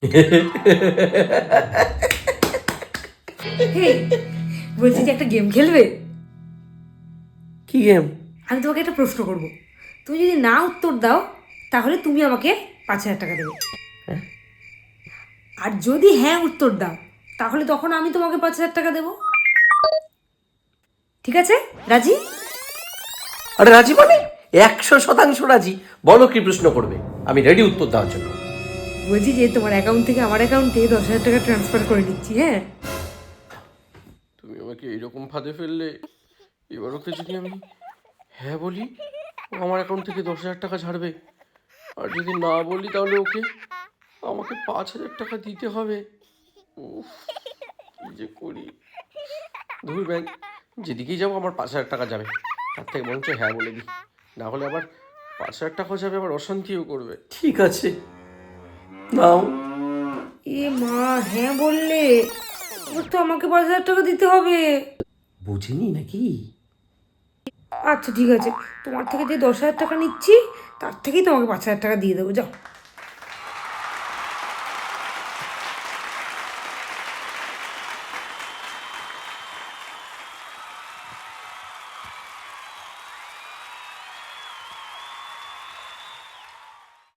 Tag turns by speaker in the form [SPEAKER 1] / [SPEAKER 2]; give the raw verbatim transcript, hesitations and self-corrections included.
[SPEAKER 1] হেই, বলছি যে একটা গেম খেলবে?
[SPEAKER 2] কি গেম?
[SPEAKER 1] আমি তোমাকে একটা প্রশ্ন করব, তুমি যদি না উত্তর দাও তাহলে তুমি আমাকে পাঁচ হাজার টাকা দেবে, আর যদি হ্যাঁ উত্তর দাও তাহলে তখন আমি তোমাকে পাঁচ হাজার টাকা দেবো। ঠিক আছে? রাজি?
[SPEAKER 2] আরে রাজি মানে একশো শতাংশ রাজি। বলো কি প্রশ্ন করবে, আমি রেডি উত্তর দেওয়ার জন্য।
[SPEAKER 1] বলছি যে তোমার অ্যাকাউন্ট থেকে আমার অ্যাকাউন্টে দশ হাজার টাকা ট্রান্সফার করে নিচ্ছি। হ্যাঁ,
[SPEAKER 2] তুমি আমাকে এইরকম ফাঁদে ফেললে, এবার ওকে যদি আমি হ্যাঁ বলি ও আমার অ্যাকাউন্ট থেকে দশ হাজার টাকা ছাড়বে, আর যদি না বলি তাহলে ওকে আমাকে পাঁচ হাজার টাকা দিতে হবে। উফ, কি যে করি। ধুর ব্যাংক, যেদিকেই যাবো আমার পাঁচ হাজার টাকা যাবে, তার থেকে বরঞ্চ হ্যাঁ বলে দিই, না হলে আবার পাঁচ হাজার টাকাও যাবে, আবার অশান্তিও করবে। ঠিক আছে, নাও।
[SPEAKER 1] এ মা, হ্যাঁ বললে এবার তো আমাকে পাঁচ হাজার টাকা দিতে হবে।
[SPEAKER 2] বুঝিনি নাকি?
[SPEAKER 1] আচ্ছা ঠিক আছে, তোমার থেকে যে দশ হাজার টাকা নিচ্ছি তার থেকেই তোমাকে পাঁচ হাজার টাকা দিয়ে দেবো, যাও।